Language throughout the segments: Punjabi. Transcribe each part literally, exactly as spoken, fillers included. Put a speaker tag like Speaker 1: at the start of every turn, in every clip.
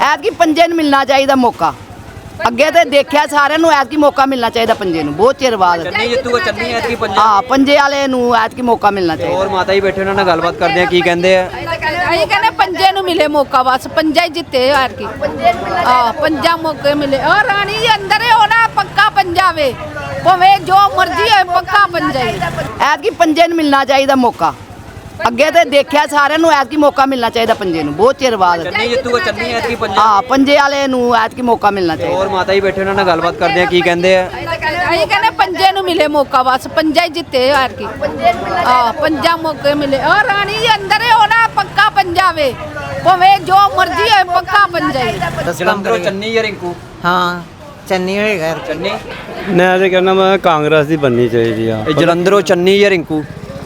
Speaker 1: ਐਤਕੀ ਪੰਜੇ ਨੂੰ ਮਿਲਣਾ ਚਾਹੀਦਾ ਮੌਕਾ। ਅੱਗੇ ਤੇ ਦੇਖਿਆ ਸਾਰਿਆਂ ਨੂੰ ਐਤਕੀ ਮੌਕਾ ਮਿਲਣਾ ਚਾਹੀਦਾ ਪੰਜੇ ਨੂੰ, ਬਹੁਤ ਚਿਰ ਬਾਅਦ।
Speaker 2: ਚੰਨੀ ਜਿੱਤੂਗਾ, ਚੰਨੀ ਐਤਕੀ ਪੰਜੇ।
Speaker 1: ਹਾਂ, ਪੰਜੇ ਵਾਲੇ ਨੂੰ ਐਤਕੀ ਮੌਕਾ ਮਿਲਣਾ ਚਾਹੀਦਾ।
Speaker 2: ਹੋਰ ਮਾਤਾ ਜੀ ਬੈਠੇ, ਉਹਨਾਂ ਨਾਲ ਗੱਲਬਾਤ ਕਰਦੇ ਆ, ਕੀ ਕਹਿੰਦੇ ਆ?
Speaker 3: ਅਸੀਂ ਕਹਿੰਦੇ ਪੰਜੇ ਨੂੰ ਮਿਲੇ ਮੌਕਾ, ਬਸ ਪੰਜਾ ਹੀ ਜਿੱਤੇ ਐਤਕੀ। ਹਾਂ, ਪੰਜਾ ਮੌਕੇ ਮਿਲੇ। ਔਰ ਰਾਣੀ ਜੀ ਅੰਦਰ ਹੀ ਹੋਣਾ, ਪੱਕਾ ਪੰਜਾ ਵੇ, ਭਾਵੇਂ ਜੋ ਮਰਜ਼ੀ ਹੋਏ, ਪੱਕਾ ਪੰਜਾ ਹੀ।
Speaker 1: ਐਤਕੀ ਪੰਜੇ ਨੂੰ ਮਿਲਣਾ ਚਾਹੀਦਾ ਮੌਕਾ। ਅੱਗੇ ਤੇ ਦੇਖਿਆ ਸਾਰਿਆਂ ਨੂੰ ਐਤਕੀ ਮੌਕਾ ਮਿਲਣਾ ਚਾਹੀਦਾ ਪੰਜੇ ਨੂੰ, ਬਹੁਤ ਚਿਰ ਬਾਅਦ।
Speaker 2: ਚੰਨੀ ਜਿੱਤੂਗਾ, ਚੰਨੀ ਐਤਕੀ ਪੰਜੇ।
Speaker 1: ਹਾਂ, ਪੰਜੇ ਵਾਲੇ ਨੂੰ ਐਤਕੀ ਮੌਕਾ ਮਿਲਣਾ ਚਾਹੀਦਾ।
Speaker 2: ਹੋਰ ਮਾਤਾ ਜੀ ਬੈਠੇ, ਉਹਨਾਂ ਨਾਲ ਗੱਲਬਾਤ ਕਰਦੇ ਆ, ਕੀ ਕਹਿੰਦੇ ਆ?
Speaker 3: ਅਸੀਂ ਕਹਿੰਦੇ ਪੰਜੇ ਨੂੰ ਮਿਲੇ ਮੌਕਾ, ਬਸ ਪੰਜਾ ਹੀ ਜਿੱਤੇ ਐਤਕੀ। ਹਾਂ, ਪੰਜਾ ਮੌਕੇ ਮਿਲੇ। ਔਰ ਰਾਣੀ ਜੀ ਅੰਦਰ ਹੀ ਹੋਣਾ, ਪੱਕਾ ਪੰਜਾ ਵੇ, ਭਾਵੇਂ ਜੋ ਮਰਜ਼ੀ ਹੋਏ, ਪੱਕਾ ਪੰਜਾ ਹੀ।
Speaker 2: ਜਲੰਧਰੋਂ ਚੰਨੀ ਜਾਂ ਰਿੰਕੂ?
Speaker 4: ਹਾਂ, ਚੰਨੀ ਹੋਏਗਾ।
Speaker 2: ਚੰਨੀ।
Speaker 5: ਮੈਂ ਤੇ ਕਹਿੰਦਾ ਮੈਂ ਕਾਂਗਰਸ ਦੀ ਬਣਨੀ ਚਾਹੀਦੀ ਆ।
Speaker 2: ਇਹ ਜਲੰਧਰੋਂ ਚੰਨੀ ਜਾਂ ਰਿੰਕੂ?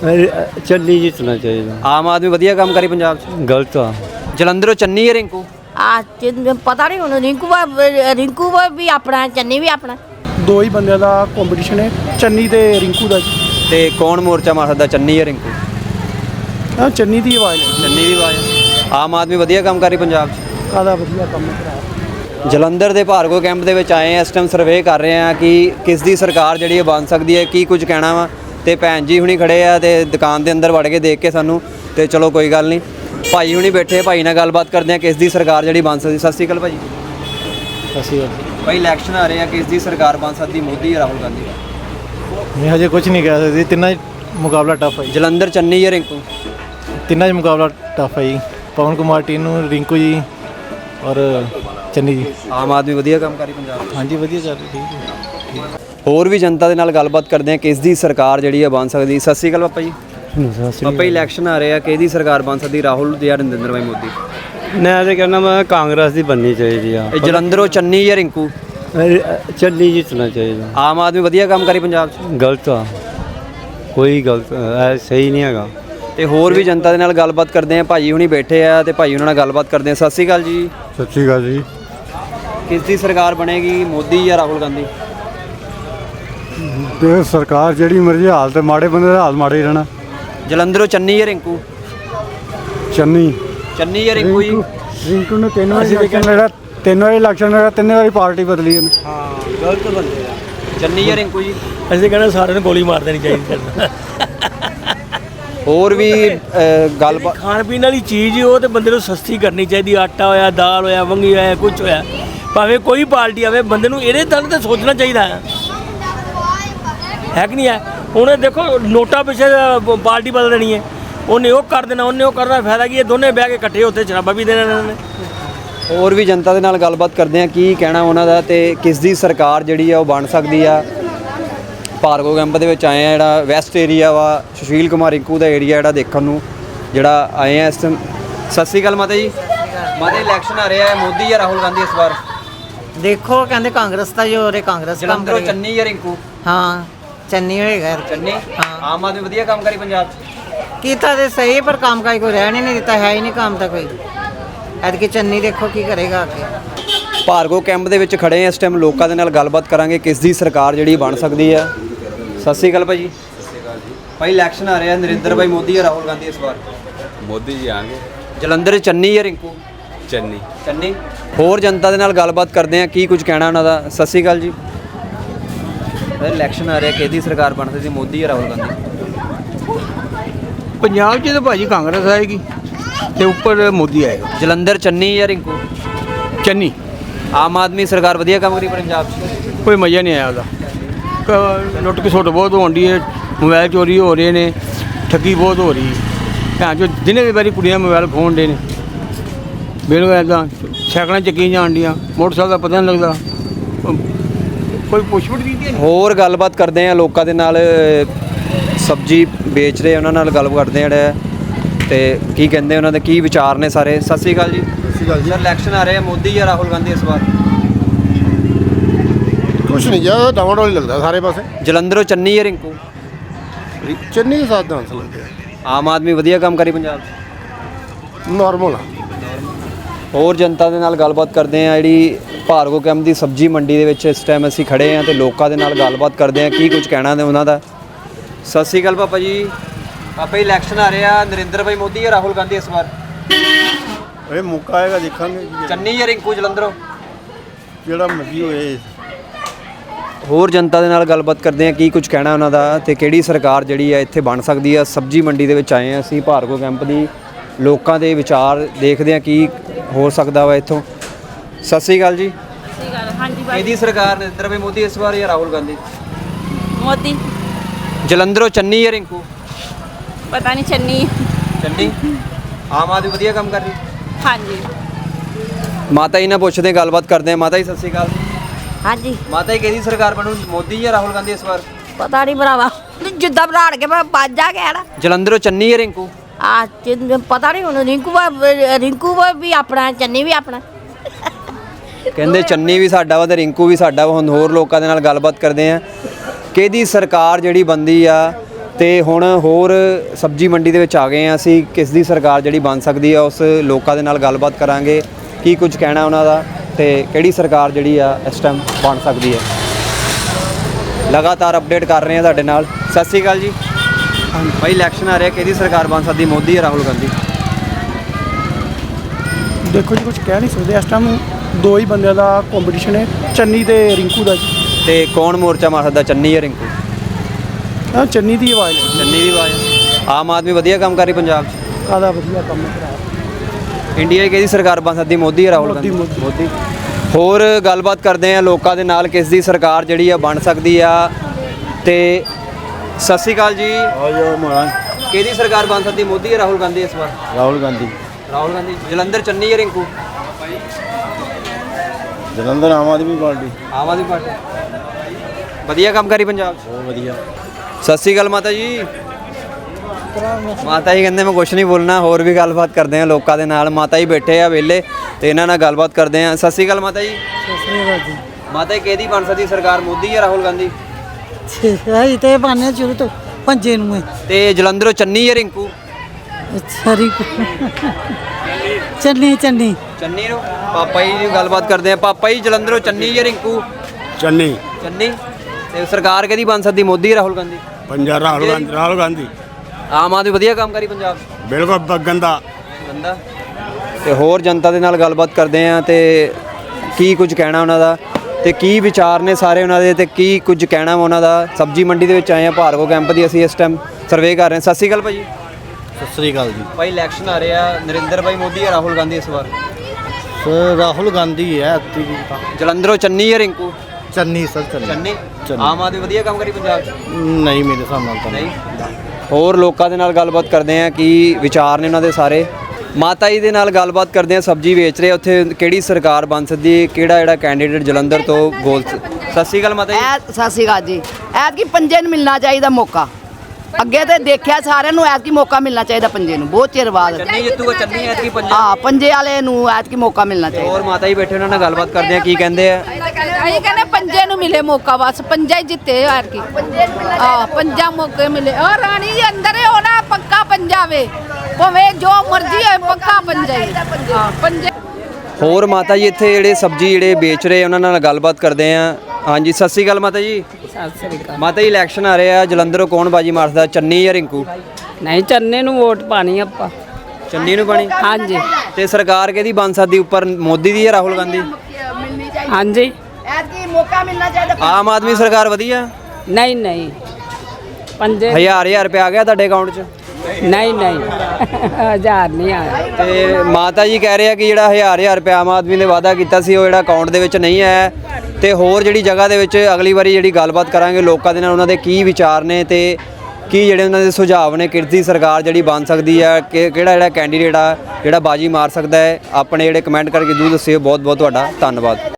Speaker 5: ਚੰਨੀ ਜਿੱਤਣਾ ਚਾਹੀਦਾ।
Speaker 2: ਆਮ ਆਦਮੀ ਵਧੀਆ ਕੰਮ ਕਰੀ ਪੰਜਾਬ 'ਚ।
Speaker 5: ਗਲਤ ਆ।
Speaker 2: ਜਲੰਧਰੋਂ ਚੰਨੀ ਜਾਂ ਰਿੰਕੂ?
Speaker 6: ਆ ਪਤਾ ਨਹੀਂ ਹੁਣ ਰਿੰਕੂ ਰਿੰਕੂ ਵੀ ਆਪਣਾ, ਚੰਨੀ ਵੀ ਆਪਣਾ।
Speaker 7: ਦੋ ਹੀ ਬੰਦਿਆਂ ਦਾ ਕੰਪੀਟੀਸ਼ਨ ਹੈ, ਚੰਨੀ ਤੇ ਰਿੰਕੂ ਦਾ।
Speaker 2: ਤੇ ਕੌਣ ਮੋਰਚਾ ਮਾਰ ਸਕਦਾ, ਚੰਨੀ ਜਾਂ ਰਿੰਕੂ?
Speaker 7: ਹਾਂ, ਚੰਨੀ ਦੀ ਆਵਾਜ਼ ਹੈ।
Speaker 2: ਚੰਨੀ ਦੀ ਆਵਾਜ਼। ਆਮ ਆਦਮੀ ਵਧੀਆ ਕੰਮ ਕਰੀ ਪੰਜਾਬ 'ਚ।
Speaker 7: ਕਾਹਦਾ ਵਧੀਆ ਕੰਮ ਕਰਾ।
Speaker 2: ਜਲੰਧਰ ਦੇ ਭਾਰਗੋ ਕੈਂਪ ਦੇ ਵਿੱਚ ਆਏ ਆ, ਇਸ ਟਾਈਮ ਸਰਵੇ ਕਰ ਰਹੇ ਆ ਕਿ ਕਿਸ ਦੀ ਸਰਕਾਰ ਜਿਹੜੀ ਹੈ ਬਣ ਸਕਦੀ ਹੈ, ਕੀ ਕੁਝ ਕਹਿਣਾ ਵਾ। ਤੇ ਭੈਣ ਜੀ ਹੁਣੀ ਖੜੇ ਆ ਤੇ ਦੁਕਾਨ ਦੇ ਅੰਦਰ ਵੜ ਕੇ ਦੇਖ ਕੇ ਸਾਨੂੰ, ਤੇ ਚਲੋ ਕੋਈ ਗੱਲ ਨਹੀਂ, ਭਾਈ ਹੁਣੀ ਬੈਠੇ, ਭਾਈ ਨਾਲ ਗੱਲਬਾਤ ਕਰਦੇ ਆ ਕਿਸ ਦੀ ਸਰਕਾਰ ਜਿਹੜੀ ਬਣ ਸਕਦੀ। ਸਤਿ ਸ਼੍ਰੀ ਅਕਾਲ ਭਾਜੀ।
Speaker 7: ਸਤਿ ਸ਼੍ਰੀ ਅਕਾਲ
Speaker 2: ਭਾਈ, ਇਲੈਕਸ਼ਨ ਆ ਰਹੇ ਆ, ਕਿਸ ਦੀ ਸਰਕਾਰ ਬਣ ਸਕਦੀ, ਮੋਦੀ ਜਾਂ ਰਾਹੁਲ ਗਾਂਧੀ?
Speaker 7: ਮੈਂ ਹਜੇ ਕੁਝ ਨਹੀਂ ਕਹਿ ਸਕਦੀ, ਤਿੰਨਾਂ 'ਚ ਮੁਕਾਬਲਾ ਟਫ ਹੈ ਜੀ।
Speaker 2: ਜਲੰਧਰ ਚੰਨੀ ਜਾਂ ਰਿੰਕੂ?
Speaker 7: ਤਿੰਨਾਂ 'ਚ ਮੁਕਾਬਲਾ ਟਫ ਹੈ ਜੀ। ਪਵਨ ਕੁਮਾਰ ਟੀਨੂ, ਰਿੰਕੂ ਜੀ ਔਰ ਚੰਨੀ ਜੀ।
Speaker 2: ਆਮ ਆਦਮੀ ਵਧੀਆ ਕੰਮ ਕਰੀ ਪੰਜਾਬ 'ਚ।
Speaker 7: ਹਾਂਜੀ, ਵਧੀਆ ਚੱਲ ਰਹੀ ਠੀਕ ਹੈ।
Speaker 2: ਹੋਰ ਵੀ ਜਨਤਾ ਦੇ ਨਾਲ ਗੱਲਬਾਤ ਕਰਦੇ ਆ ਕਿਸ ਦੀ ਸਰਕਾਰ ਜਿਹੜੀ ਹੈ ਬਣ ਸਕਦੀ। ਸਤਿ ਸ਼੍ਰੀ ਅਕਾਲ ਪਾਪਾ ਜੀ। ਪਾਪਾ, ਇਲੈਕਸ਼ਨ ਆ ਰਹੇ ਆ, ਕਿਹਦੀ ਸਰਕਾਰ ਬਣ ਸਕਦੀ, ਰਾਹੁਲ ਜਾਂ ਨਰਿੰਦਰ ਭਾਈ ਮੋਦੀ?
Speaker 5: ਮੈਂ ਤੇ ਕਹਿੰਦਾ ਮੈਂ ਕਾਂਗਰਸ ਦੀ ਬਣਨੀ ਚਾਹੀਦੀ ਆ।
Speaker 2: ਇਹ ਜਲੰਧਰੋਂ ਚੰਨੀ ਜਾਂ ਰਿੰਕੂ?
Speaker 5: ਚੰਨੀ ਜਿੱਤਣਾ ਚਾਹੀਦਾ।
Speaker 2: ਆਮ ਆਦਮੀ ਵਧੀਆ ਕੰਮ ਕਰੀ ਪੰਜਾਬ 'ਚ।
Speaker 5: ਗਲਤ ਆ, ਕੋਈ ਗਲਤ ਐ, ਸਹੀ ਨਹੀਂ ਹੈਗਾ।
Speaker 2: ਤੇ ਹੋਰ ਵੀ ਜਨਤਾ ਦੇ ਨਾਲ ਗੱਲਬਾਤ ਕਰਦੇ ਆ, ਭਾਜੀ ਹੁਣੀ ਬੈਠੇ ਆ ਤੇ ਭਾਈ ਉਹਨਾਂ ਨਾਲ ਗੱਲਬਾਤ ਕਰਦੇ ਆ। ਸਤਿ ਸ਼੍ਰੀ ਅਕਾਲ ਜੀ।
Speaker 5: ਸਤਿ ਸ਼੍ਰੀ ਅਕਾਲ ਜੀ।
Speaker 2: ਕਿਸ ਦੀ ਸਰਕਾਰ ਬਣੇਗੀ, ਮੋਦੀ ਜਾਂ ਰਾਹੁਲ ਗਾਂਧੀ?
Speaker 5: ਤੇ ਸਰਕਾਰ ਜਿਹੜੀ ਮਰਜ਼ੀ, ਹਾਲ ਤੇ ਮਾੜੇ ਬੰਦੇ ਦਾ ਹਾਲ ਮਾੜੇ ਹੀ ਰਹਿਣਾ।
Speaker 2: ਜਲੰਧਰੋਂ ਚੰਨੀ ਜਾਂ ਰਿੰਕੂ?
Speaker 5: ਚੰਨੀ।
Speaker 2: ਚੰਨੀ ਜਾਂ ਰਿੰਕੂ ਜੀ?
Speaker 5: ਰਿੰਕੂ ਨੂੰ ਤਿੰਨ ਵਾਰੀ ਇਲੈਕਸ਼ਨ ਲੜਾ, ਤਿੰਨ ਵਾਰੀ ਇਲੈਕਸ਼ਨ ਲੜਾ, ਤਿੰਨ ਵਾਰੀ ਪਾਰਟੀ ਬਦਲੀ ਉਹਨੇ।
Speaker 2: ਹਾਂ, ਗਲਤ ਬੰਦੇ ਆ। ਚੰਨੀ ਜਾਂ ਰਿੰਕੂ ਜੀ?
Speaker 8: ਅਸੀਂ ਕਹਿੰਦੇ ਸਾਰਿਆਂ ਨੂੰ ਗੋਲੀ ਮਾਰ ਦੇਣੀ ਚਾਹੀਦੀ।
Speaker 2: ਹੋਰ ਵੀ ਗੱਲਬਾਤ,
Speaker 8: ਖਾਣ ਪੀਣ ਵਾਲੀ ਚੀਜ਼ ਉਹ ਤੇ ਬੰਦੇ ਨੂੰ ਸਸਤੀ ਕਰਨੀ ਚਾਹੀਦੀ। ਆਟਾ ਹੋਇਆ, ਦਾਲ ਹੋਇਆ, ਵੰਗੀ ਹੋਇਆ, ਕੁਝ ਹੋਇਆ, ਭਾਵੇਂ ਕੋਈ ਪਾਰਟੀ ਆਵੇ, ਬੰਦੇ ਨੂੰ ਇਹਦੇ ਤੱਕ ਤਾਂ ਸੋਚਣਾ ਚਾਹੀਦਾ ਹੈ ਹੈ ਕਿ ਨਹੀਂ ਹੈ। ਹੁਣ ਦੇਖੋ, ਨੋਟਾਂ ਪਿੱਛੇ ਪਾਰਟੀ ਬਦਲ ਦੇਣੀ ਹੈ, ਉਹਨੇ ਉਹ ਕਰ ਦੇਣਾ, ਉਹਨੇ ਉਹ ਕਰਨਾ, ਫਾਇਦਾ ਕੀ ਹੈ? ਦੋਨੇ ਬਹਿ ਕੇ ਇਕੱਠੇ ਉੱਥੇ ਸ਼ਰਾਬਾਂ ਵੀ ਦੇਣਾ ਇਹਨਾਂ ਨੇ।
Speaker 2: ਹੋਰ ਵੀ ਜਨਤਾ ਦੇ ਨਾਲ ਗੱਲਬਾਤ ਕਰਦੇ ਆ, ਕੀ ਕਹਿਣਾ ਉਹਨਾਂ ਦਾ ਤੇ ਕਿਸ ਦੀ ਸਰਕਾਰ ਜਿਹੜੀ ਆ ਉਹ ਬਣ ਸਕਦੀ ਆ। ਭਾਰਗੋ ਕੈਂਪ ਦੇ ਵਿੱਚ ਆਏ ਆ, ਜਿਹੜਾ ਵੈਸਟ ਏਰੀਆ ਵਾ, ਸੁਸ਼ੀਲ ਕੁਮਾਰ ਰਿੰਕੂ ਦਾ ਏਰੀਆ ਜਿਹੜਾ ਦੇਖਣ ਨੂੰ ਜਿਹੜਾ ਆਏ ਆ ਇਸ ਟਾਈਮ। ਸਤਿ ਸ਼੍ਰੀ ਅਕਾਲ ਮਾਤਾ ਜੀ। ਮਾਤਾ, ਇਲੈਕਸ਼ਨ ਆ ਰਿਹਾ ਹੈ, ਮੋਦੀ ਜਾਂ ਰਾਹੁਲ ਗਾਂਧੀ ਇਸ ਵਾਰ?
Speaker 4: ਦੇਖੋ, ਕਹਿੰਦੇ ਕਾਂਗਰਸ ਦਾ ਜੋ ਰੇ ਕਾਂਗਰਸ ਕੰਮ
Speaker 2: ਜਲੰਧਰੋਂ
Speaker 4: ਕਰੇਗਾ।
Speaker 2: ਚੰਨੀ ਜਾਂ ਰਿੰਕੂ?
Speaker 4: ਹਾਂ, ਚੰਨੀ ਹੋਏਗਾ।
Speaker 2: ਚੰਨੀ।
Speaker 4: ਹਾਂ।
Speaker 2: ਆਮ ਆਦਮੀ ਵਧੀਆ ਕੰਮ ਕਰੀ ਪੰਜਾਬ 'ਚ।
Speaker 4: ਕੀਤਾ ਤੇ ਸਹੀ, ਪਰ ਕੰਮ ਕਾਜ ਕੋਈ ਰਹਿਣ ਹੀ ਨਹੀਂ ਦਿੱਤਾ, ਹੈ ਹੀ ਨਹੀਂ ਕੰਮ ਤਾਂ ਕੋਈ। ਐਤਕੀ ਚੰਨੀ ਦੇਖੋ ਕੀ ਕਰੇਗਾ ਅੱਗੇ।
Speaker 2: ਭਾਰਗੋ ਕੈਂਪ ਦੇ ਵਿੱਚ ਖੜੇ ਆ ਇਸ ਟਾਈਮ, ਲੋਕਾਂ ਦੇ ਨਾਲ ਗੱਲਬਾਤ ਕਰਾਂਗੇ ਕਿਸ ਦੀ ਸਰਕਾਰ ਜਿਹੜੀ ਬਣ ਸਕਦੀ ਆ। ਸਤਿ ਸ਼੍ਰੀ ਅਕਾਲ ਭਾਜੀ। ਸਤਿ ਸ਼੍ਰੀ ਅਕਾਲ ਜੀ। ਭਾਈ, ਇਲੈਕਸ਼ਨ ਆ ਰਿਹਾ, ਨਰਿੰਦਰ ਭਾਈ ਮੋਦੀ ਜਾਂ ਰਾਹੁਲ ਗਾਂਧੀ ਇਸ ਵਾਰ?
Speaker 9: ਮੋਦੀ ਜੀ ਆਣਗੇ।
Speaker 2: ਜਲੰਧਰ ਚੰਨੀ ਜਾਂ ਰਿੰਕੂ?
Speaker 9: ਚੰਨੀ।
Speaker 2: ਚੰਨੀ। ਹੋਰ ਜਨਤਾ ਦੇ ਨਾਲ ਗੱਲਬਾਤ ਕਰਦੇ ਆ, ਕੀ ਕੁਝ ਕਹਿਣਾ ਉਹਨਾਂ ਦਾ। ਸਤਿ ਸ਼੍ਰੀ ਅਕਾਲ ਜੀ। ਇਲੈਕਸ਼ਨ ਆ ਰਿਹਾ, ਕਿਹਦੀ ਸਰਕਾਰ ਬਣ ਸਕਦੀ, ਮੋਦੀ ਜਾਂ ਰਾਹੁਲ ਗਾਂਧੀ?
Speaker 8: ਪੰਜਾਬ 'ਚ ਤਾਂ ਭਾਜੀ ਕਾਂਗਰਸ ਆਏਗੀ ਤੇ ਉੱਪਰ ਮੋਦੀ ਆਏਗਾ।
Speaker 2: ਜਲੰਧਰ ਚੰਨੀ ਜਾਂ ਰਿੰਕੂ?
Speaker 8: ਚੰਨੀ।
Speaker 2: ਆਮ ਆਦਮੀ ਸਰਕਾਰ ਵਧੀਆ ਕੰਮ ਕਰੀ ਪੰਜਾਬ 'ਚ?
Speaker 8: ਕੋਈ ਮਜ਼ਾ ਨਹੀਂ ਆਇਆ ਉਹਦਾ। ਲੁੱਟ ਖਸੁੱਟ ਬਹੁਤ ਹੋਣ ਡਈ ਹੈ, ਮੋਬਾਈਲ ਚੋਰੀ ਹੋ ਰਹੇ ਨੇ, ਠੱਗੀ ਬਹੁਤ ਹੋ ਰਹੀ ਹੈ। ਭੈਣ ਚੋ ਦਿਨੇ ਵੀ ਵਾਰੀ ਕੁੜੀਆਂ ਮੋਬਾਈਲ ਖੋਣ ਡੇ ਨੇ, ਬਿਲਕੁਲ ਇੱਦਾਂ ਸਾਈਕਲਾਂ ਚੱਕੀ ਜਾਣ ਡੀਆਂ, ਮੋਟਰਸਾਈਕਲ ਦਾ ਪਤਾ ਨਹੀਂ ਲੱਗਦਾ, ਕੋਈ ਪੁੱਛਪੁੱਛ ਨਹੀਂ।
Speaker 2: ਹੋਰ ਗੱਲਬਾਤ ਕਰਦੇ ਆ ਲੋਕਾਂ ਦੇ ਨਾਲ, ਸਬਜ਼ੀ ਵੇਚ ਰਹੇ ਉਹਨਾਂ ਨਾਲ ਗੱਲ ਕਰਦੇ ਆ ਜਿਹੜੇ, ਤੇ ਕੀ ਕਹਿੰਦੇ ਉਹਨਾਂ ਦੇ ਕੀ ਵਿਚਾਰ ਨੇ ਸਾਰੇ। ਸਤਿ ਸ਼੍ਰੀ ਅਕਾਲ ਜੀ।
Speaker 7: ਸਤਿ ਸ਼੍ਰੀ ਅਕਾਲ ਜੀ।
Speaker 2: ਸਰ, ਇਲੈਕਸ਼ਨ ਆ ਰਹੇ ਆ, ਮੋਦੀ ਜਾਂ ਰਾਹੁਲ ਗਾਂਧੀ ਇਸ ਵਾਰ?
Speaker 7: ਕੁਛ ਨਹੀਂ ਜਿਆਦਾ ਡਾਵਾਡੋਲ ਹੀ ਲੱਗਦਾ ਸਾਰੇ ਪਾਸੇ।
Speaker 2: ਜਲੰਧਰੋਂ ਚੰਨੀ ਜਾਂ ਰਿੰਕੂ?
Speaker 7: ਚੰਨੀ ਦੇ ਸਾਥ ਡਾਂਸ ਲੱਗਦੇ
Speaker 2: ਆਮ ਆਦਮੀ ਵਧੀਆ ਕੰਮ ਕਰੀ ਪੰਜਾਬ 'ਚ?
Speaker 7: ਨਾਰਮਲ ਆ।
Speaker 2: ਹੋਰ ਜਨਤਾ ਦੇ ਨਾਲ ਗੱਲਬਾਤ ਕਰਦੇ ਆ, ਜਿਹੜੀ ਭਾਰਗੋ ਕੈਂਪ ਦੀ ਸਬਜ਼ੀ ਮੰਡੀ ਦੇ ਵਿੱਚ ਇਸ ਟਾਈਮ ਅਸੀਂ ਖੜੇ ਆ ਤੇ ਲੋਕਾਂ ਦੇ ਨਾਲ ਗੱਲਬਾਤ ਕਰਦੇ ਆ, ਕੀ ਕੁਝ ਕਹਿਣਾ ਨੇ ਉਹਨਾਂ ਦਾ। ਸਤਿ ਸ਼੍ਰੀ ਅਕਾਲ ਪਾਪਾ ਜੀ। ਪਾਪਾ, ਇਲੈਕਸ਼ਨ ਆ ਰਿਹਾ, ਨਰਿੰਦਰ ਭਾਈ ਮੋਦੀ ਜਾਂ ਰਾਹੁਲ ਗਾਂਧੀ ਇਸ ਵਾਰ?
Speaker 5: ਇਹ ਮੌਕਾ ਆਏਗਾ ਦੇਖਾਂਗੇ
Speaker 2: ਚੰਨੀ ਜਾਂ ਰਿੰਕੂ ਜਲੰਧਰੋਂ?
Speaker 5: ਜਿਹੜਾ ਮਰਜ਼ੀ ਹੋਏ।
Speaker 2: ਹੋਰ ਜਨਤਾ ਦੇ ਨਾਲ ਗੱਲਬਾਤ ਕਰਦੇ ਆ ਕੀ ਕੁਝ ਕਹਿਣਾ ਉਹਨਾਂ ਦਾ ਤੇ ਕਿਹੜੀ ਸਰਕਾਰ ਜਿਹੜੀ ਆ ਇੱਥੇ ਬਣ ਸਕਦੀ ਆ। ਸਬਜ਼ੀ ਮੰਡੀ ਦੇ ਵਿੱਚ ਆਏ ਆ ਅਸੀਂ ਭਾਰਗੋ ਕੈਂਪ ਦੀ, ਲੋਕਾਂ ਦੇ ਵਿਚਾਰ ਦੇਖਦੇ ਆ ਕੀ ਹੋ ਸਕਦਾ ਵਾ ਇੱਥੋਂ। ਸਤਿ ਸ਼੍ਰੀ ਅਕਾਲ ਜੀ।
Speaker 6: ਸਹੀ ਗੱਲ ਹਾਂਜੀ
Speaker 2: ਇਹਦੀ ਸਰਕਾਰ ਨਰਿੰਦਰ ਭਾਈ ਮੋਦੀ ਇਸ ਵਾਰ ਜਾਂ ਰਾਹੁਲ ਗਾਂਧੀ?
Speaker 6: ਮੋਦੀ
Speaker 2: ਜਲੰਧਰੋਂ ਚੰਨੀ ਜਾਂ ਰਿੰਕੂ?
Speaker 6: ਪਤਾ ਨਹੀਂ ਚੰਨੀ
Speaker 2: ਚੰਨੀ। ਆਮ ਆਦਮੀ ਵਧੀਆ ਕੰਮ ਕਰ ਰਹੀ?
Speaker 6: ਹਾਂਜੀ
Speaker 2: ਮਾਤਾ ਜੀ ਨਾਲ ਪੁੱਛਦੇ ਗੱਲਬਾਤ ਕਰਦੇ ਆ। ਮਾਤਾ ਜੀ ਸਤਿ ਸ਼੍ਰੀ ਅਕਾਲ।
Speaker 6: ਹਾਂਜੀ
Speaker 2: ਮਾਤਾ ਜੀ ਕਿਹਦੀ ਸਰਕਾਰ ਬਣੂ, ਮੋਦੀ ਜਾਂ ਰਾਹੁਲ ਗਾਂਧੀ ਇਸ ਵਾਰ?
Speaker 6: ਪਤਾ ਨਹੀਂ ਭਰਾਵਾ ਜਿੱਦਾਂ ਬਣਾੜ ਕੇ ਮੈਂ ਬਾਜਾ ਗਿਆ ਨਾ
Speaker 2: ਜਲੰਧਰੋਂ ਚੰਨੀ ਜਾਂ ਰਿੰਕੂ?
Speaker 6: ਆ ਪਤਾ ਨਹੀਂ ਹੁਣ ਰਿੰਕੂ ਵਾ- ਰਿੰਕੂ ਵਾ ਵੀ ਆਪਣਾ ਚੰਨੀ ਵੀ ਆਪਣਾ
Speaker 2: ਕਹਿੰਦੇ ਚੰਨੀ ਵੀ ਸਾਡਾ ਵਾ ਤੇ ਰਿੰਕੂ ਵੀ ਸਾਡਾ ਵਾ। ਹੁਣ ਹੋਰ ਲੋਕਾਂ ਦੇ ਨਾਲ ਗੱਲਬਾਤ ਕਰਦੇ ਆ ਕਿਹਦੀ ਸਰਕਾਰ ਜਿਹੜੀ ਬੰਦੀ ਆ। ਤੇ ਹੁਣ ਹੋਰ ਸਬਜ਼ੀ ਮੰਡੀ ਦੇ ਵਿੱਚ ਆ ਗਏ ਆ ਅਸੀਂ, ਕਿਸ ਦੀ ਸਰਕਾਰ ਜਿਹੜੀ ਬਣ ਸਕਦੀ ਆ ਉਸ ਲੋਕਾਂ ਦੇ ਨਾਲ ਗੱਲਬਾਤ ਕਰਾਂਗੇ ਕੀ ਕੁਝ ਕਹਿਣਾ ਉਹਨਾਂ ਦਾ ਤੇ ਕਿਹੜੀ ਸਰਕਾਰ ਜਿਹੜੀ ਆ ਇਸ ਟਾਈਮ ਬਣ ਸਕਦੀ ਹੈ। ਲਗਾਤਾਰ ਅਪਡੇਟ ਕਰ ਰਹੇ ਆ ਤੁਹਾਡੇ ਨਾਲ। ਸਤਿ ਸ਼੍ਰੀ ਅਕਾਲ ਜੀ। ਭਾਈ ਇਲੈਕਸ਼ਨ ਆ ਰਿਹਾ, ਕਿਹਦੀ ਸਰਕਾਰ ਬਣ ਸਕਦੀ, ਮੋਦੀ ਜਾਂ ਰਾਹੁਲ ਗਾਂਧੀ?
Speaker 5: ਦੇਖੋ ਜੀ ਕੁਝ ਕਹਿ ਨਹੀਂ ਸਕਦੇ ਇਸ ਟਾਈਮ। ਦੋ ਹੀ ਬੰਦਿਆਂ ਦਾ ਕੰਪੀਟੀਸ਼ਨ ਹੈ, ਚੰਨੀ ਤੇ ਰਿੰਕੂ ਦਾ ਜੀ।
Speaker 2: ਤੇ ਕੌਣ ਮੋਰਚਾ ਮਾਰ ਸਕਦਾ, ਚੰਨੀ ਜਾਂ ਰਿੰਕੂ?
Speaker 5: ਹਾਂ ਚੰਨੀ ਦੀ ਆਵਾਜ਼ ਹੈ।
Speaker 2: ਚੰਨੀ ਦੀ ਆਵਾਜ਼। ਆਮ ਆਦਮੀ ਵਧੀਆ ਕੰਮ ਕਰ ਰਹੀ ਪੰਜਾਬ 'ਚ?
Speaker 5: ਕਾਹਦਾ ਵਧੀਆ ਕੰਮ ਕਰਾ।
Speaker 2: ਇੰਡੀਆ 'ਚ ਕਿਹਦੀ ਸਰਕਾਰ ਬਣ ਸਕਦੀ, ਮੋਦੀ ਜਾਂ ਰਾਹੁਲ ਗਾਂਧੀ?
Speaker 5: ਮੋਦੀ,
Speaker 2: ਮੋਦੀ। ਹੋਰ ਗੱਲਬਾਤ ਕਰਦੇ ਆ ਲੋਕਾਂ ਦੇ ਨਾਲ ਕਿਸ ਦੀ ਸਰਕਾਰ ਜਿਹੜੀ ਆ ਬਣ ਸਕਦੀ ਆ। ਤੇ ਸਤਿ ਸ਼੍ਰੀ ਅਕਾਲ ਜੀ।
Speaker 5: ਆਜੋ ਮਾਂ
Speaker 2: ਕਿਹਦੀ ਸਰਕਾਰ ਬਣ ਸਕਦੀ, ਮੋਦੀ ਜਾਂ ਰਾਹੁਲ ਗਾਂਧੀ ਇਸ ਵਾਰ?
Speaker 5: ਰਾਹੁਲ ਗਾਂਧੀ।
Speaker 2: ਰਾਹੁਲ ਗਾਂਧੀ। ਜਲੰਧਰ ਚੰਨੀ ਜਾਂ ਰਿੰਕੂ?
Speaker 5: ਜਲੰਧਰ ਆਮ ਆਦਮੀ ਪਾਰਟੀ।
Speaker 2: ਆਮ ਆਦਮੀ ਪਾਰਟੀ ਵਧੀਆ ਕੰਮ ਕਰੀ ਪੰਜਾਬ 'ਚ?
Speaker 5: ਬਹੁਤ ਵਧੀਆ।
Speaker 2: ਸਤਿ ਸ਼੍ਰੀ ਅਕਾਲ ਮਾਤਾ ਜੀ। ਮਾਤਾ ਜੀ ਕਹਿੰਦੇ ਮੈਂ ਕੁਛ ਨਹੀਂ ਬੋਲਣਾ। ਹੋਰ ਵੀ ਗੱਲਬਾਤ ਕਰਦੇ ਆ ਲੋਕਾਂ ਦੇ ਨਾਲ। ਮਾਤਾ ਜੀ ਬੈਠੇ ਆ ਵਿਹਲੇ ਤੇ ਇਹਨਾਂ ਨਾਲ ਗੱਲਬਾਤ ਕਰਦੇ ਆ। ਸਤਿ ਸ਼੍ਰੀ ਅਕਾਲ ਮਾਤਾ ਜੀ।
Speaker 4: ਸਤਿ ਸ੍ਰੀ ਅਕਾਲ ਜੀ।
Speaker 2: ਮਾਤਾ ਜੀ ਕਿਹਦੀ ਬਣ ਸਕਦੀ ਸਰਕਾਰ, ਮੋਦੀ ਜਾਂ ਰਾਹੁਲ ਗਾਂਧੀ?
Speaker 4: ਅਸੀਂ ਤੇ ਬਾਨੇ ਸ਼ੁਰੂ ਤੋਂ ਪੰਜੇ ਨੂੰ ਹੈ।
Speaker 2: ਤੇ ਜਲੰਧਰੋਂ ਚੰਨੀ ਜਾਂ ਰਿੰਕੂ?
Speaker 4: ਅੱਛਾ ਰਿੰਕੂ ਚੰਨੀ ਚੰਨੀ
Speaker 2: ਚੰਨੀ ਨੂੰ। ਪਾਪਾ ਜੀ ਦੀ ਗੱਲਬਾਤ ਕਰਦੇ ਆ। ਪਾਪਾ ਜੀ ਜਲੰਧਰੋਂ ਚੰਨੀ ਜਾਂ ਰਿੰਕੂ?
Speaker 5: ਚੰਨੀ।
Speaker 2: ਚੰਨੀ। ਤੇ ਸਰਕਾਰ ਕਿਹਦੀ ਬਣ ਸਕਦੀ, ਮੋਦੀ ਜਾਂ ਰਾਹੁਲ ਗਾਂਧੀ?
Speaker 5: ਪੰਜਾਬ ਰਾਹੁਲ ਗਾਂਧੀ। ਰਾਹੁਲ ਗਾਂਧੀ
Speaker 2: ਆਮ ਆਦਮੀ ਵਧੀਆ ਕੰਮ ਕਰੀ ਪੰਜਾਬ 'ਚ?
Speaker 5: ਬਿਲਕੁਲ ਗੰਦਾ
Speaker 2: ਗੰਦਾ। ਤੇ ਹੋਰ ਜਨਤਾ ਦੇ ਨਾਲ ਗੱਲਬਾਤ ਕਰਦੇ ਆ ਤੇ ਕੀ ਕੁਝ ਕਹਿਣਾ ਉਹਨਾਂ ਦਾ ਤੇ ਕੀ ਵਿਚਾਰ ਨੇ ਸਾਰੇ ਉਹਨਾਂ ਦੇ ਤੇ ਕੀ ਕੁਝ ਕਹਿਣਾ ਉਹਨਾਂ ਦਾ। ਸਬਜ਼ੀ ਮੰਡੀ ਦੇ ਵਿੱਚ ਆਏ ਆ ਭਾਰਗੋ ਕੈਂਪ ਦੀ, ਅਸੀਂ ਇਸ ਟਾਈਮ ਸਰਵੇ ਕਰ ਰਹੇ ਹਾਂ। ਸਤਿ ਸ਼੍ਰੀ ਅਕਾਲ ਭਾਜੀ।
Speaker 7: ਸਤਿ ਸ੍ਰੀ ਅਕਾਲ ਜੀ।
Speaker 2: ਭਾਈ ਇਲੈਕਸ਼ਨ ਆ ਰਿਹਾ, ਨਰਿੰਦਰ ਭਾਈ ਮੋਦੀ ਜਾਂ ਰਾਹੁਲ ਗਾਂਧੀ ਇਸ ਵਾਰ?
Speaker 7: ਸਰ ਰਾਹੁਲ ਗਾਂਧੀ ਹੈ।
Speaker 2: ਜਲੰਧਰੋਂ ਚੰਨੀ ਜਾਂ ਰਿੰਕੂ?
Speaker 7: ਚੰਨੀ ਸਰ ਚੰਨੀ।
Speaker 2: ਚੰਨੀ। ਆਮ ਆਦਮੀ ਵਧੀਆ ਕੰਮ ਕਰੀ ਪੰਜਾਬ 'ਚ?
Speaker 7: ਨਹੀਂ ਮੇਰੇ ਹਿਸਾਬ ਨਾਲ ਤਾਂ
Speaker 2: ਨਹੀਂ। ਹੋਰ ਲੋਕਾਂ ਦੇ ਨਾਲ ਗੱਲਬਾਤ ਕਰਦੇ ਆ ਕੀ ਵਿਚਾਰ ਨੇ ਉਹਨਾਂ ਦੇ ਸਾਰੇ। ਮਾਤਾ ਜੀ ਦੇ ਨਾਲ ਗੱਲਬਾਤ ਕਰਦੇ ਆ, ਸਬਜ਼ੀ ਵੇਚ ਰਹੇ ਉੱਥੇ ਕਿਹੜੀ ਸਰਕਾਰ ਬਣ ਸਕਦੀ, ਕਿਹੜਾ ਜਿਹੜਾ ਕੈਂਡੀਡੇਟ ਜਲੰਧਰ ਤੋਂ ਗੋਲ। ਸਤਿ ਸ਼੍ਰੀ ਅਕਾਲ ਮਾਤਾ ਜੀ।
Speaker 1: ਐ ਸਤਿ ਸ਼੍ਰੀ ਅਕਾਲ ਜੀ। ਐਤਕੀ ਪੰਜੇ ਨੂੰ ਮਿਲਣਾ ਚਾਹੀਦਾ ਮੌਕਾ। ਅੱਗੇ ਤੇ ਦੇਖਿਆ ਸਾਰਿਆਂ ਨੂੰ, ਐਤਕੀ ਮੌਕਾ ਮਿਲਣਾ ਚਾਹੀਦਾ ਪੰਜੇ ਨੂੰ, ਬਹੁਤ ਚਿਰ ਬਾਅਦ।
Speaker 2: ਚੰਨੀ ਜਿੱਤੂਗਾ, ਚੰਨੀ ਐਤਕੀ ਪੰਜਾਬ।
Speaker 1: ਹਾਂ ਪੰਜੇ ਵਾਲੇ ਨੂੰ ਐਤਕੀ ਮੌਕਾ ਮਿਲਣਾ ਚਾਹੀਦਾ।
Speaker 2: ਹੋਰ ਮਾਤਾ ਜੀ ਬੈਠੇ ਉਹਨਾਂ ਨਾਲ ਗੱਲਬਾਤ ਕਰਦੇ ਆ ਕੀ ਕਹਿੰਦੇ ਆ।
Speaker 3: ਅਸੀਂ ਕਹਿੰਦੇ ਪੰਜੇ ਨੂੰ ਮਿਲੇ ਮੌਕਾ, ਬਸ ਪੰਜਾ ਹੀ ਜਿੱਤੇ ਯਾਰ ਕੀ। ਆ ਪੰਜਾ ਮੌਕੇ ਮਿਲੇ। ਔਰ ਰਾਣੀ ਜੀ ਅੰਦਰ ਹੀ ਹੋਣਾ, ਪੱਕਾ ਪੰਜਾ ਵੇ, ਭਾਵੇਂ ਜੋ ਮਰਜ਼ੀ ਹੋਏ, ਪੱਕਾ ਪੰਜਾ ਹੀ। ਹਾਂ ਪੰਜੇ।
Speaker 2: ਹੋਰ ਮਾਤਾ ਜੀ ਇੱਥੇ ਜਿਹੜੇ ਸਬਜ਼ੀ ਜਿਹੜੇ ਵੇਚ ਰਹੇ ਉਹਨਾਂ ਨਾਲ ਗੱਲਬਾਤ ਕਰਦੇ ਆ। ਹਾਂਜੀ ਸਤਿ ਸ਼੍ਰੀ ਅਕਾਲ ਮਾਤਾ ਜੀ।
Speaker 10: ਸਤਿ ਸ੍ਰੀ ਅਕਾਲ।
Speaker 2: ਮਾਤਾ ਜੀ ਇਲੈਕਸ਼ਨ ਆ ਰਿਹਾ, ਜਲੰਧਰੋਂ ਕੌਣ ਬਾਜੀ ਮਾਰਦਾ, ਚੰਨੀ ਜਾਂ ਰਿੰਕੂ?
Speaker 10: ਨਹੀਂ ਚੰਨੇ ਨੂੰ ਵੋਟ ਪਾਣੀ ਆਪਾਂ।
Speaker 2: ਚੰਨੀ ਨੂੰ ਪਾਣੀ?
Speaker 10: ਹਾਂਜੀ।
Speaker 2: ਤੇ ਸਰਕਾਰ ਕਿਹਦੀ ਬਣ ਸਕਦੀ ਉੱਪਰ, ਮੋਦੀ ਦੀ ਜਾਂ ਰਾਹੁਲ ਗਾਂਧੀ?
Speaker 10: ਹਾਂਜੀ।
Speaker 1: ਐਤਕੀ ਮੌਕਾ ਮਿਲਣਾ ਚਾਹੀਦਾ।
Speaker 2: ਆਮ ਆਦਮੀ ਸਰਕਾਰ ਵਧੀਆ?
Speaker 10: ਨਹੀਂ ਨਹੀਂ ਪੰਜੇ
Speaker 2: ਹਜ਼ਾਰ ਹਜ਼ਾਰ ਰੁਪਏ ਆ ਗਿਆ ਤੁਹਾਡੇ ਅਕਾਊਂਟ 'ਚ?
Speaker 10: ਨਹੀਂ ਨਹੀਂ ਹਜ਼ਾਰ ਨਹੀਂ ਆਇਆ।
Speaker 2: ਤੇ ਮਾਤਾ ਜੀ ਕਹਿ ਰਹੇ ਆ ਕਿ ਜਿਹੜਾ ਹਜ਼ਾਰ ਹਜ਼ਾਰ ਰੁਪਏ ਆਮ ਆਦਮੀ ਨੇ ਵਾਅਦਾ ਕੀਤਾ ਸੀ ਉਹ ਜਿਹੜਾ ਅਕਾਊਂਟ ਦੇ ਵਿੱਚ ਨਹੀਂ ਆਇਆ। ਤੇ ਹੋਰ ਜਿਹੜੀ ਜਗ੍ਹਾ ਦੇ ਵਿੱਚ ਅਗਲੀ ਵਾਰੀ ਜਿਹੜੀ ਗੱਲਬਾਤ ਕਰਾਂਗੇ ਲੋਕਾਂ ਦੇ ਨਾਲ, ਉਹਨਾਂ ਦੇ ਕੀ ਵਿਚਾਰ ਨੇ ਤੇ ਕੀ ਜਿਹੜੇ ਉਹਨਾਂ ਦੇ ਸੁਝਾਅ ਨੇ, ਕਿਸ ਦੀ ਸਰਕਾਰ ਜਿਹੜੀ ਬਣ ਸਕਦੀ ਆ, ਕਿ ਕਿਹੜਾ ਜਿਹੜਾ ਕੈਂਡੀਡੇਟ ਆ ਜਿਹੜਾ ਬਾਜੀ ਮਾਰ ਸਕਦਾ ਹੈ। ਆਪਣੇ ਜਿਹੜੇ ਕਮੈਂਟ ਕਰਕੇ ਜ਼ਰੂਰ ਦੱਸਿਓ। ਬਹੁਤ ਬਹੁਤ ਤੁਹਾਡਾ ਧੰਨਵਾਦ।